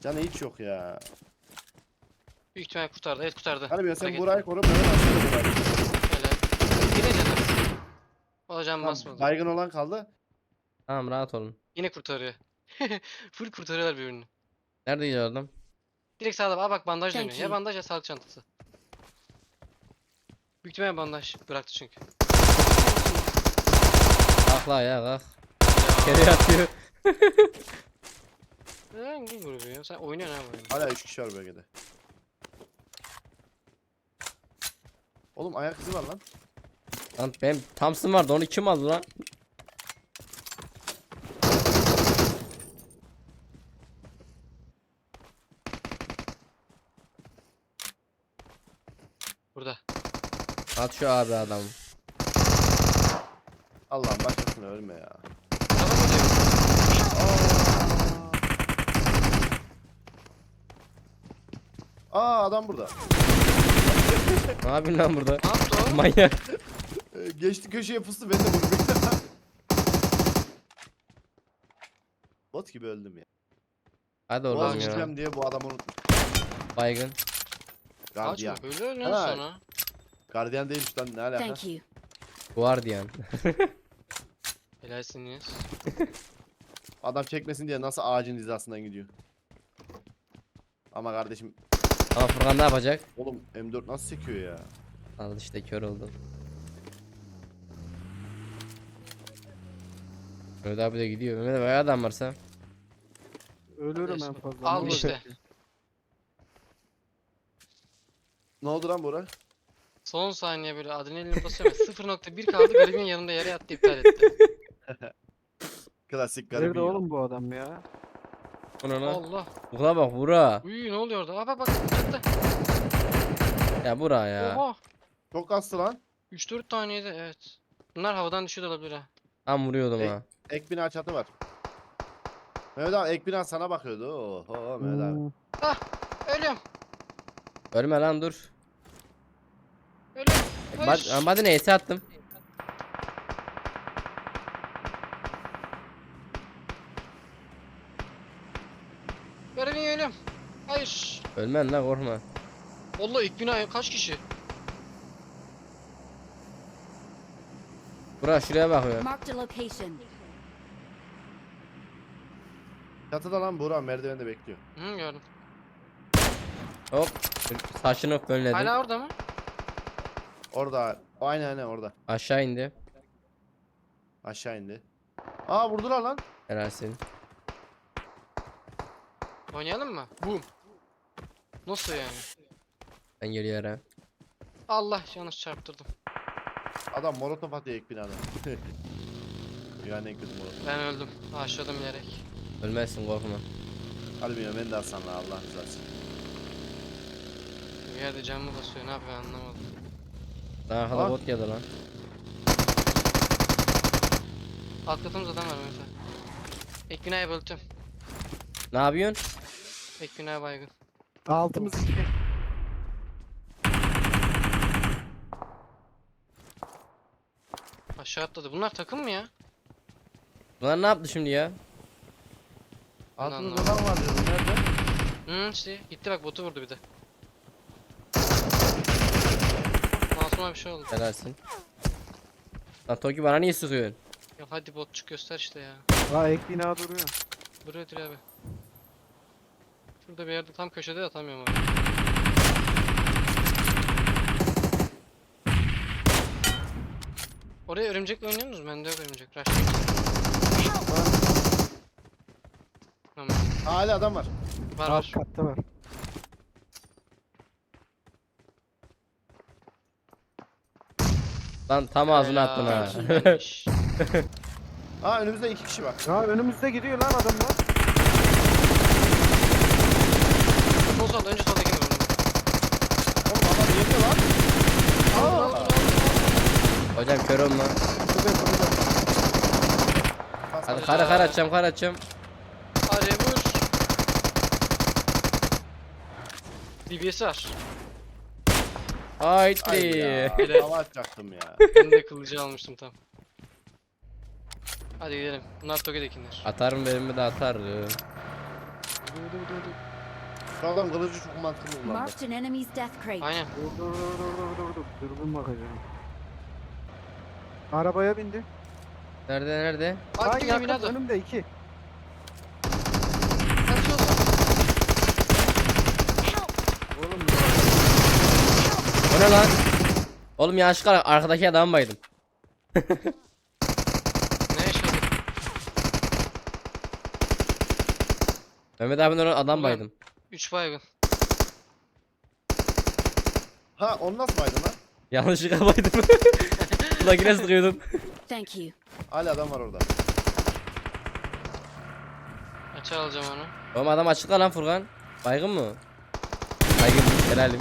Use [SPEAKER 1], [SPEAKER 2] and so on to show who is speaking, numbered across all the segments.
[SPEAKER 1] Canı hiç yok ya.
[SPEAKER 2] Büyük ihtimal kurtardı. Evet kurtardı.
[SPEAKER 1] Hani ben sen
[SPEAKER 2] Hareket.
[SPEAKER 1] burayı koru, ben aslında burayı.
[SPEAKER 2] Helal. Yine canım. Olacağım
[SPEAKER 1] Tamam,
[SPEAKER 2] basmadı.
[SPEAKER 1] baygın olan kaldı.
[SPEAKER 3] Tamam rahat olun.
[SPEAKER 2] Yine kurtarıyor. Full kurtarıyorlar birbirini.
[SPEAKER 3] Nerede gidiyor adam?
[SPEAKER 2] Direkt sağda. Aa bak bandaj
[SPEAKER 4] Thank
[SPEAKER 2] dönüyor. Ya
[SPEAKER 4] you.
[SPEAKER 2] bandaj ya sağlık çantası. Büyük ihtimal bandaj bıraktı çünkü.
[SPEAKER 3] Kalk la ya kalk. Geri yatıyor.
[SPEAKER 2] Hangi grubu ya? Sen oynuyorsun abi oyunu.
[SPEAKER 1] Hala 3 kişi var bölgede. Oğlum ayak izi var lan.
[SPEAKER 3] Lan benim Thompson vardı onu kim aldı lan?
[SPEAKER 2] Burada.
[SPEAKER 3] At şu abi adamı.
[SPEAKER 1] Allah'ım başkasına ölme ya.
[SPEAKER 2] Adam burada.
[SPEAKER 1] Aa adam burada.
[SPEAKER 3] Ne yapıyorsun lan burada?
[SPEAKER 2] Ne yaptı o?
[SPEAKER 3] Manyak.
[SPEAKER 1] Geçti köşeye fıstı, ben de vurdum. Bot gibi öldüm ya.
[SPEAKER 3] Hadi
[SPEAKER 1] Boğaz
[SPEAKER 3] oradan ya.
[SPEAKER 1] gideceğim diye bu adamı unuttum.
[SPEAKER 3] Baygın.
[SPEAKER 1] Gardiyan.
[SPEAKER 2] Açma böyle ölüyorsun
[SPEAKER 1] Ha.
[SPEAKER 2] sonra.
[SPEAKER 1] Gardiyan değilmiş lan, ne alaka?
[SPEAKER 4] Thank you.
[SPEAKER 3] Guardian.
[SPEAKER 2] Helalsiniz.
[SPEAKER 1] Adam çekmesin diye nasıl ağacın hizasından gidiyor. Ama kardeşim,
[SPEAKER 3] Ama Furkan ne yapacak?
[SPEAKER 1] oğlum M4 nasıl sekiyor ya?
[SPEAKER 3] Al işte kör oldum. Mehmet abi de gidiyor. Mehmet abi adam varsa.
[SPEAKER 5] Ölürüm en fazla.
[SPEAKER 2] Al
[SPEAKER 5] ne
[SPEAKER 2] işte.
[SPEAKER 5] olacak ki?
[SPEAKER 1] Ne oldu lan Bora?
[SPEAKER 2] Son saniye böyle adrenalin basıyor. 0.1 kaldı. Garibin yanında yere yattı, iptal etti.
[SPEAKER 1] Klasik
[SPEAKER 5] Nerede
[SPEAKER 1] garibim.
[SPEAKER 5] oğlum bu adam ya?
[SPEAKER 3] Ona lan.
[SPEAKER 2] Allah.
[SPEAKER 3] Buna bak bura.
[SPEAKER 2] Uy ne oluyor orada? Aa bak bak çıktı.
[SPEAKER 3] Ya bura ya.
[SPEAKER 2] Oha.
[SPEAKER 1] Çok kastı lan.
[SPEAKER 2] 3-4 taneydi evet. Bunlar havadan düşüyor da olabilir ha.
[SPEAKER 3] Tam vuruyordum
[SPEAKER 1] Ey.
[SPEAKER 3] ha.
[SPEAKER 1] Ek bina çatı var. Mehmet abi ek bina sana bakıyordu. Oho Mehmet abi.
[SPEAKER 5] Hmm.
[SPEAKER 2] Ölüyorum.
[SPEAKER 3] Ölme lan dur.
[SPEAKER 2] Ölüyorum. Hayır.
[SPEAKER 3] Hadi neyse attım.
[SPEAKER 2] Garibin ölüyorum. Hayır.
[SPEAKER 3] Ölmen lan korkma.
[SPEAKER 2] Vallahi ilk bina kaç kişi?
[SPEAKER 3] Bura şuraya bakıyor.
[SPEAKER 4] Marked a location.
[SPEAKER 1] Çatıda lan Bora, merdivende bekliyor.
[SPEAKER 2] Hı gördüm.
[SPEAKER 3] Hop. Saçını fönledim.
[SPEAKER 2] Hala orada mı?
[SPEAKER 1] Orada. Aynen orada.
[SPEAKER 3] Aşağı indi.
[SPEAKER 1] Aşağı indi. Aa vurdular lan.
[SPEAKER 3] Helalsin.
[SPEAKER 2] Oynayalım mı? Boom. Nasıl yani?
[SPEAKER 3] Ben geliyorum.
[SPEAKER 2] Allah yanlış çarptırdım.
[SPEAKER 1] Adam molotof atıyor ek binada. Yani en kötü molotof.
[SPEAKER 2] Ben öldüm. Aşağıdan bilerek.
[SPEAKER 3] Ölmezsin korkma.
[SPEAKER 1] Hadi bilmiyorum, ben de Hasan'la Allah rızası.
[SPEAKER 2] Bir yerde canımı basıyor. Ne yapıyor anlamadım.
[SPEAKER 3] Daha arkada
[SPEAKER 1] Aa.
[SPEAKER 3] bot geldi lan.
[SPEAKER 2] Alt katımızda adam var mesela. Ek binaya böldüm.
[SPEAKER 3] Ne yapıyorsun?
[SPEAKER 2] Ek binaya baygın.
[SPEAKER 5] Altımız iki.
[SPEAKER 2] Aşağı atladı. Bunlar takım mı ya?
[SPEAKER 3] Bunlar ne yaptı şimdi ya?
[SPEAKER 1] Altımızda adam var diyorum, nerede?
[SPEAKER 2] Hı işte gitti bak botu vurdu bir de. Masuma bir şey oldu.
[SPEAKER 3] Helalsin. Lan Toki bana niye sıkıyorsun?
[SPEAKER 2] Ya hadi botçuk göster işte ya.
[SPEAKER 5] Aa ek bina duruyor.
[SPEAKER 2] Buraya abi. Şurada bir yerde tam köşede de atamıyorum abi. Oraya örümcekle oynuyor musunuz? Bende yok örümcek. Rush. Tamam.
[SPEAKER 1] Hala adam var.
[SPEAKER 2] Var
[SPEAKER 5] Alt
[SPEAKER 2] var.
[SPEAKER 5] katta var.
[SPEAKER 3] Lan tam ağzına attın ha.
[SPEAKER 2] Güzelmiş.
[SPEAKER 1] Aa önümüzde 2 kişi var.
[SPEAKER 5] Ya önümüzde gidiyor lan adamlar.
[SPEAKER 2] Sol sol önce soldaki mi?
[SPEAKER 1] Oğlum adam yedi lan. Aa.
[SPEAKER 3] Hocam kör olma.
[SPEAKER 5] Şurada şurada.
[SPEAKER 3] Hadi kar açacağım kar açacağım.
[SPEAKER 2] Hadi vur. DBS var.
[SPEAKER 1] Ay
[SPEAKER 3] Haydi.
[SPEAKER 1] ya.
[SPEAKER 2] Helal.
[SPEAKER 1] Hava atacaktım ya.
[SPEAKER 2] Ben de kılıcı almıştım tam. Hadi gidelim. Bunlar Toge'dekiler.
[SPEAKER 3] Atarım benim de atarım.
[SPEAKER 2] Dur dur dur dur.
[SPEAKER 1] Şu adam kılıcı çok mantıklı kullandı.
[SPEAKER 4] Marked an enemy's death crate.
[SPEAKER 2] Aynen.
[SPEAKER 5] Dur. Dürbün bakacağım. Arabaya bindi.
[SPEAKER 3] Nerede?
[SPEAKER 2] Bak
[SPEAKER 5] Ay
[SPEAKER 2] gibi
[SPEAKER 5] yakın
[SPEAKER 2] binadı.
[SPEAKER 5] önümde 2.
[SPEAKER 2] Kaçıyorlar.
[SPEAKER 5] Oğlum
[SPEAKER 3] O ne lan? Oğlum yanlışlıkla arkadaki adamı baydım.
[SPEAKER 2] Ne yaşadık?
[SPEAKER 3] Mehmet abinin orada adam
[SPEAKER 2] Ulan.
[SPEAKER 3] baydım.
[SPEAKER 2] 3 baygın.
[SPEAKER 1] Ha onu nasıl baydın lan?
[SPEAKER 3] Yanlışlıkla baydım. Ulan yine sıkıyordum.
[SPEAKER 4] Thank you.
[SPEAKER 1] Hala adam var orada.
[SPEAKER 2] Açar alacağım onu.
[SPEAKER 3] Oğlum adam açıkla lan Furkan. Baygın mı? Baygın helalim.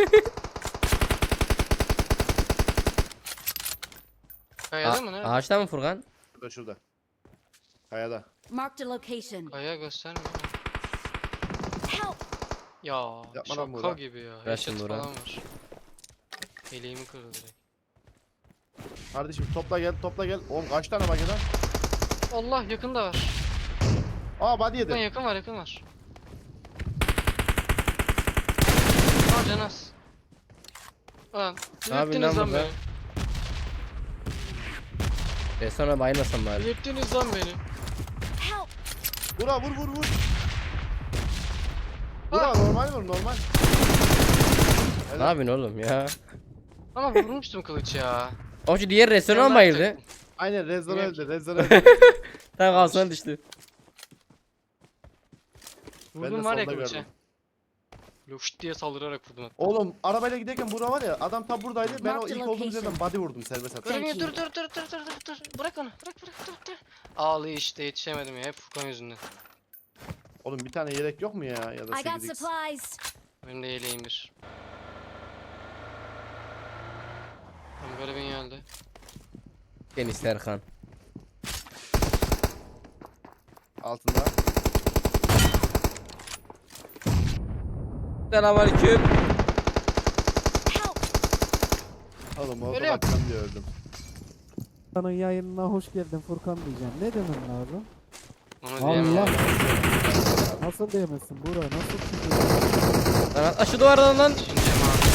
[SPEAKER 2] Kayada mı? Nerede?
[SPEAKER 3] Ağaçta mı Furkan?
[SPEAKER 1] Şurada şurada. Kayada.
[SPEAKER 4] Marked a location.
[SPEAKER 2] Kaya göstermiyor.
[SPEAKER 4] Help!
[SPEAKER 2] Ya
[SPEAKER 1] Yapma lan
[SPEAKER 2] şaka
[SPEAKER 1] Buğra.
[SPEAKER 2] gibi ya.
[SPEAKER 3] Ver
[SPEAKER 2] Headshot
[SPEAKER 3] şimdi Buğra.
[SPEAKER 2] falan var. Eleğimi kırdı direkt.
[SPEAKER 1] Kardeşim topla gel. Oğlum kaç tane bak lan?
[SPEAKER 2] Allah yakında var.
[SPEAKER 1] Aa body
[SPEAKER 2] Yakın
[SPEAKER 1] yedi.
[SPEAKER 2] yakın var yakın var. Aa Canas. Lan
[SPEAKER 3] Ne yapıyorsun
[SPEAKER 2] delirttiniz
[SPEAKER 3] lan
[SPEAKER 2] lan
[SPEAKER 3] burada?
[SPEAKER 2] beni.
[SPEAKER 3] Sonra bayılmasam bari.
[SPEAKER 2] Delirttiniz lan beni.
[SPEAKER 4] Help!
[SPEAKER 1] Vura vur. Vura normal vur normal.
[SPEAKER 3] Ne yapıyorsun oğlum ya?
[SPEAKER 2] Ama vurmuştum kılıç ya.
[SPEAKER 3] O şu diğer restoran
[SPEAKER 2] Yanlar
[SPEAKER 3] bayıldı.
[SPEAKER 2] taktım.
[SPEAKER 1] Aynen Rezon
[SPEAKER 2] Bilmiyorum
[SPEAKER 1] öldü. Rezon öldü.
[SPEAKER 3] Tam kalsana düştü.
[SPEAKER 1] Ben de
[SPEAKER 2] Vurdum var ya
[SPEAKER 1] solda
[SPEAKER 2] kılıça.
[SPEAKER 1] gördüm.
[SPEAKER 2] Loş diye saldırarak vurdum hatta.
[SPEAKER 1] Oğlum arabayla giderken bura var ya adam tam buradaydı. Ben o
[SPEAKER 4] Marked
[SPEAKER 1] ilk olduğumuz
[SPEAKER 4] location.
[SPEAKER 1] yerden body vurdum serbest atış.
[SPEAKER 4] Thank
[SPEAKER 2] Dur
[SPEAKER 4] you.
[SPEAKER 2] dur. Bırak onu. Bırak dur. Ağlıyor işte yetişemedim ya hep Furkan yüzünden.
[SPEAKER 1] Oğlum bir tane yelek yok mu ya? Ya da
[SPEAKER 4] I got
[SPEAKER 1] 8x.
[SPEAKER 4] supplies.
[SPEAKER 2] Benim de yeleğim bir. Tamam garibin geldi.
[SPEAKER 3] Deniz Serkan.
[SPEAKER 1] Altında.
[SPEAKER 3] Selamünaleyküm.
[SPEAKER 4] Help!
[SPEAKER 1] Oğlum orada
[SPEAKER 2] Ölüyorum.
[SPEAKER 1] bakacağım diye öldüm.
[SPEAKER 5] Furkan'ın yayınına hoş geldin Furkan diyeceğim. Ne demem lazım?
[SPEAKER 2] Onu diyemem.
[SPEAKER 5] Allah.
[SPEAKER 2] abi.
[SPEAKER 5] Nasıl diyemezsin Bura? Nasıl çıkıyor?
[SPEAKER 3] Lan at aşı duvardan lan.
[SPEAKER 2] Düşüneceğim abi.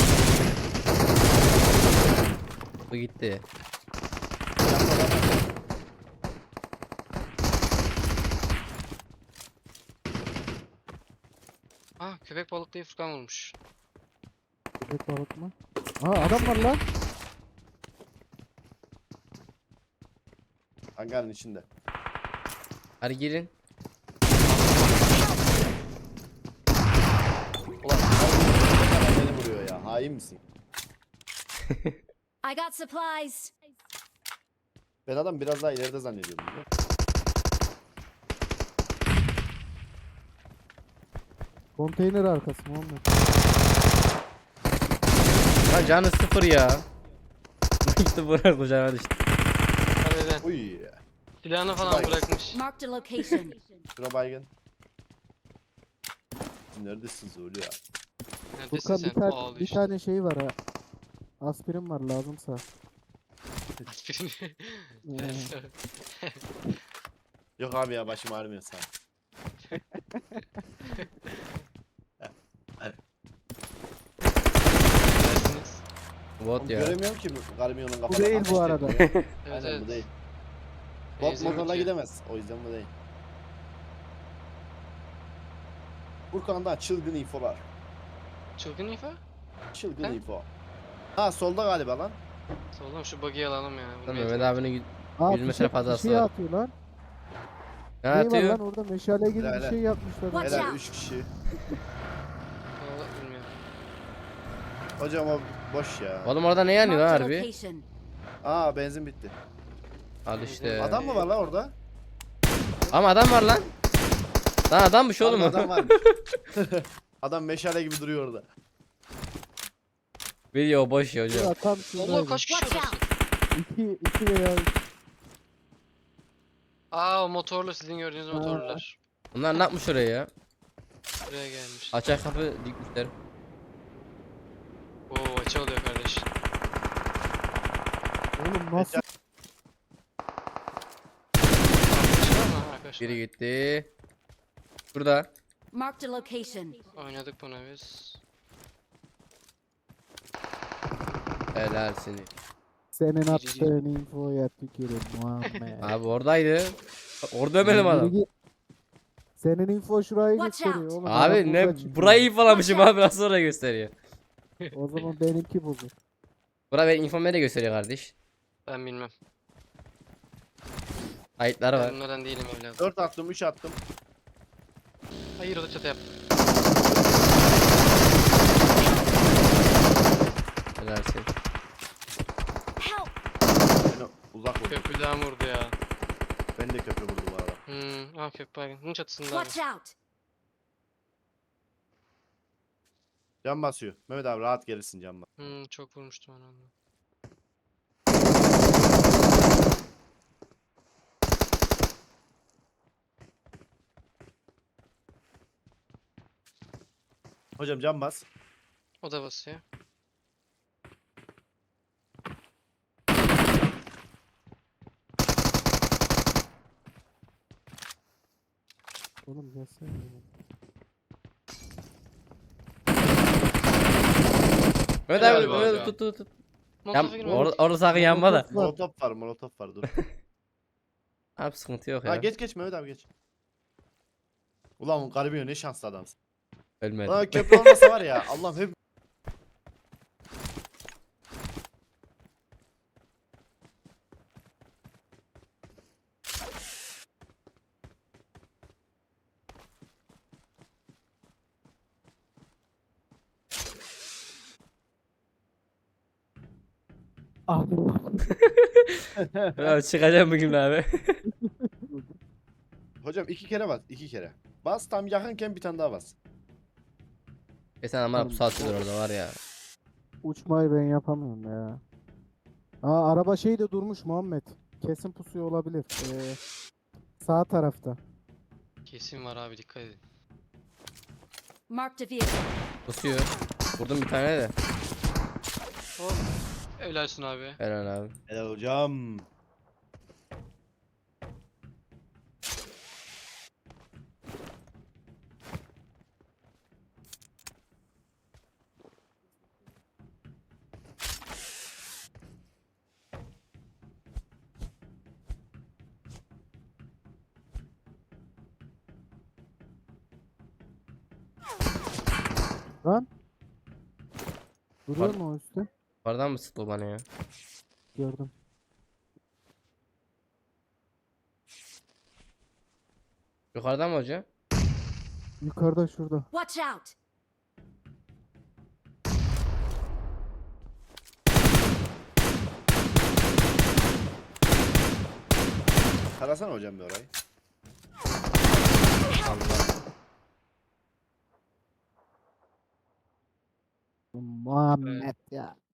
[SPEAKER 3] Bu gitti.
[SPEAKER 2] Ah köpek balıklayı Furkan vurmuş.
[SPEAKER 5] Köpek balık mı? Aa adam var lan.
[SPEAKER 1] Hangarın içinde.
[SPEAKER 3] Hadi girin.
[SPEAKER 1] Ulan beni vuruyor ya. Hain misin?
[SPEAKER 4] I got supplies.
[SPEAKER 1] Ben adam biraz daha ileride zannediyordum. biliyor musun?
[SPEAKER 5] Konteyner arkası Muhammed.
[SPEAKER 3] Lan canı sıfır ya. Gitti buraya kucağına düştü.
[SPEAKER 2] Harbiden.
[SPEAKER 1] Uy.
[SPEAKER 2] Silahını falan
[SPEAKER 1] Vay.
[SPEAKER 2] bırakmış.
[SPEAKER 4] Marked a location.
[SPEAKER 1] Şura baygın. Neredesin Zulu ya?
[SPEAKER 2] Neredesin
[SPEAKER 5] Furkan
[SPEAKER 2] sen?
[SPEAKER 5] bir tane,
[SPEAKER 2] Ağlıyor
[SPEAKER 5] bir
[SPEAKER 2] işte.
[SPEAKER 5] tane şey var ha. Aspirin var lazımsa.
[SPEAKER 1] Yok abi ya başım ağrımıyor sağ ol.
[SPEAKER 2] Dersiniz.
[SPEAKER 3] Bot
[SPEAKER 1] Oğlum
[SPEAKER 3] ya.
[SPEAKER 1] göremiyorum ki Garmion'un kafasını.
[SPEAKER 5] Bu değil bu arada.
[SPEAKER 2] Evet
[SPEAKER 1] Aynen
[SPEAKER 2] evet.
[SPEAKER 1] bu değil. Bot
[SPEAKER 2] Benzin
[SPEAKER 1] motorla
[SPEAKER 2] bitiyor.
[SPEAKER 1] gidemez. O yüzden bu değil. Furkan'da çılgın infolar.
[SPEAKER 2] Çılgın info.
[SPEAKER 1] Çılgın
[SPEAKER 2] He?
[SPEAKER 1] info. Ha solda galiba lan.
[SPEAKER 2] Oğlum şu buggy'i alalım ya.
[SPEAKER 3] Lan
[SPEAKER 2] Bunu
[SPEAKER 3] Mehmet
[SPEAKER 2] yeter.
[SPEAKER 3] abinin
[SPEAKER 5] Aa,
[SPEAKER 3] 100 metre fazlası
[SPEAKER 5] şey
[SPEAKER 3] var.
[SPEAKER 5] atıyor lan.
[SPEAKER 3] Ne
[SPEAKER 5] Ne var
[SPEAKER 3] atıyor?
[SPEAKER 5] lan orada meşale gibi
[SPEAKER 1] Helal.
[SPEAKER 5] bir şey yapmışlar.
[SPEAKER 4] Watch
[SPEAKER 1] Helal
[SPEAKER 4] out.
[SPEAKER 1] 3 kişi.
[SPEAKER 2] Vallahi bilmiyorum.
[SPEAKER 1] Hocam o boş ya.
[SPEAKER 3] Oğlum orada ne yanıyor lan
[SPEAKER 4] Marked a
[SPEAKER 3] harbi?
[SPEAKER 4] location.
[SPEAKER 1] Aa benzin bitti.
[SPEAKER 3] Al işte.
[SPEAKER 1] Adam mı var lan orada?
[SPEAKER 3] Ama adam var lan. Lan adammış oğlum o.
[SPEAKER 1] Adam varmış. Adam meşale gibi duruyor orada.
[SPEAKER 3] Video boş ya hocam.
[SPEAKER 5] Ya tam
[SPEAKER 2] Allah
[SPEAKER 5] şuradaydı.
[SPEAKER 2] kaç kişi
[SPEAKER 4] Watch
[SPEAKER 2] orası?
[SPEAKER 4] out.
[SPEAKER 5] İki veya üç.
[SPEAKER 2] Aa o motorlu sizin gördüğünüz motorlular.
[SPEAKER 3] Bunlar ne yapmış oraya ya?
[SPEAKER 2] Buraya gelmiş.
[SPEAKER 3] Açık kapı dikmişler.
[SPEAKER 2] Oo açı oluyor kardeş.
[SPEAKER 5] Oğlum nasıl?
[SPEAKER 2] Açı var mı arkadaşlar?
[SPEAKER 3] Biri gitti. Burada.
[SPEAKER 4] Marked a location.
[SPEAKER 2] Oynadık bunu biz.
[SPEAKER 3] Helalsin.
[SPEAKER 5] Senin attığın infoya tükürüm Muhammed.
[SPEAKER 3] Abi oradaydı. Orada ömelim
[SPEAKER 5] Yürü
[SPEAKER 3] adam.
[SPEAKER 5] git. Senin info şurayı
[SPEAKER 4] Watch
[SPEAKER 5] gösteriyor
[SPEAKER 4] out.
[SPEAKER 5] oğlum. adam
[SPEAKER 3] Abi
[SPEAKER 5] burada
[SPEAKER 3] ne
[SPEAKER 5] çıkıyor.
[SPEAKER 3] burayı infolamışım abi nasıl oraya gösteriyor.
[SPEAKER 5] O zaman benimki bozuk.
[SPEAKER 3] Bura benim infom nereye gösteriyor kardeş?
[SPEAKER 2] Ben bilmem.
[SPEAKER 3] Kayıtları
[SPEAKER 2] Ben
[SPEAKER 3] var.
[SPEAKER 2] bunlardan değilim evladım.
[SPEAKER 1] 4 attım 3 attım.
[SPEAKER 2] Hayır o da çatı yap.
[SPEAKER 3] Helalsin.
[SPEAKER 4] Help!
[SPEAKER 1] Beni uzak vurdu.
[SPEAKER 2] Köprüden vurdu ya.
[SPEAKER 1] Ben de köprü vurdu bu arada.
[SPEAKER 2] Köprü baygın. Bunun çatısında abi.
[SPEAKER 4] Watch out!
[SPEAKER 1] Can basıyor. Mehmet abi rahat gelirsin can bas.
[SPEAKER 2] Çok vurmuştum onu.
[SPEAKER 1] Hocam can bas.
[SPEAKER 2] O da basıyor.
[SPEAKER 5] Oğlum gelsene.
[SPEAKER 3] Mehmet
[SPEAKER 2] Helal
[SPEAKER 3] abi
[SPEAKER 2] be
[SPEAKER 3] Mehmet
[SPEAKER 2] abi.
[SPEAKER 3] tut.
[SPEAKER 2] Molotof'a girme.
[SPEAKER 3] Orada sakın yanma da.
[SPEAKER 1] Molotof var dur.
[SPEAKER 3] Abi sıkıntı yok
[SPEAKER 1] Ha
[SPEAKER 3] ya.
[SPEAKER 1] geç Mehmet abi geç. Ulan garibim ne şanslı adamsın.
[SPEAKER 3] Ölmedi.
[SPEAKER 1] Ulan köprü olmasa var ya Allah'ım hep
[SPEAKER 5] Abi.
[SPEAKER 3] Abi çıkacağım bugün abi.
[SPEAKER 1] hocam 2 kere bas 2 kere. Bas tam yakınken bir tane daha bas.
[SPEAKER 3] Sen ama bu saatte orada var ya.
[SPEAKER 5] Uçmayı ben yapamıyorum ya. Aa araba şeyde durmuş Muhammed. Kesin pusuyor olabilir. Sağ tarafta.
[SPEAKER 2] Kesin var abi dikkat edin.
[SPEAKER 4] Marked a vehicle.
[SPEAKER 3] Kusuyor. Vurdum bir tane de.
[SPEAKER 2] Hop. Evlersin abi.
[SPEAKER 3] Helal abi.
[SPEAKER 1] Helal hocam.
[SPEAKER 5] Lan. Duruyor
[SPEAKER 3] Var.
[SPEAKER 5] mu o üstte?
[SPEAKER 3] Oradan mı sıktı o bana ya?
[SPEAKER 5] Gördüm.
[SPEAKER 3] Yukarıdan mı hoca?
[SPEAKER 5] Yukarıda şurada.
[SPEAKER 4] Watch out!
[SPEAKER 1] Tarasana hocam bir orayı.
[SPEAKER 3] Allah.
[SPEAKER 5] Muhammed ya.